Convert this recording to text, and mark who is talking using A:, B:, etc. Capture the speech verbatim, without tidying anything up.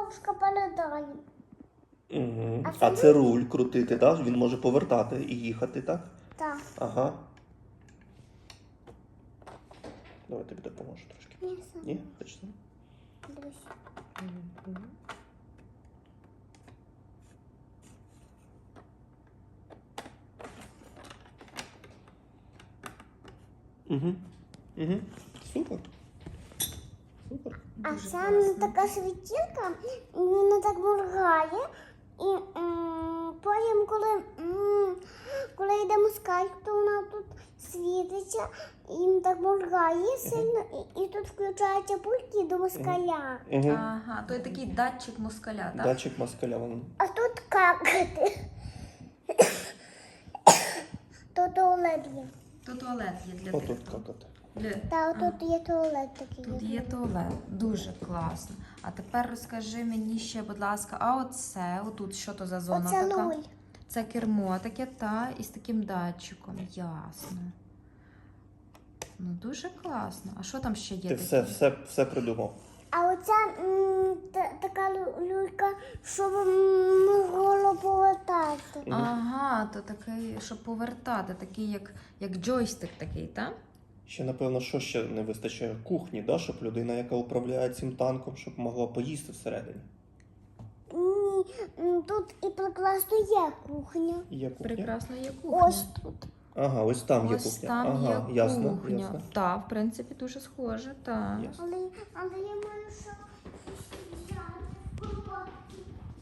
A: бабушка передає.
B: Угу.
A: А
B: А
A: це
B: це руль крутити, так? Він може повертати і їхати, так?
A: Так.
B: Ага. Давай тобі допоможу трошки.
A: Ні, сам.
B: Ні? Хочеш сам?
A: Дивись.
B: Угу. Угу. Супер. Супер.
A: А
C: Дуже
A: це
C: класно.
A: така світілка, і вона так моргає. І м, потім, коли, м, коли йде москаль, то вона тут світиться, і так моргає сильно, і, і тут включається пульт і до москаля.
B: Угу.
C: Ага, то є такий датчик москаля, так?
B: Датчик москаля. Вон.
A: А тут какати. То туалет є.
C: То туалет є для тих.
B: Отут
C: хто-
B: какати.
C: Для...
A: Та тут є туалет такий.
C: Тут є туалет. Дуже класно. А тепер розкажи мені ще, будь ласка, а оце, отут, що то за зона
A: Оце
C: така?
A: руль.
C: Це кермо таке, та, і з таким датчиком. Ясно. Ну, дуже класно. А що там ще є
B: Ти
C: таке?
B: все, все, все придумав.
A: А оця м, та, така лю- люлька, щоб м, могло повертати.
C: Ага, то такий, щоб повертати, такий, як, як джойстик такий, так?
B: Ще, напевно, що ще не вистачає? Кухні, да? Щоб людина, яка управляє цим танком, щоб могла поїсти всередині.
A: Ні, м, тут і прекрасно є кухня.
B: Є кухня?
C: Прекрасно є кухня.
A: Ось тут.
B: Ага, ось там є
C: Ось
B: кухня.
C: там
B: ага,
C: є
B: ясно,
C: кухня.
B: ясно.
C: Так, в принципі, дуже схоже, так.
B: Ясно.
A: Але, але я маю ще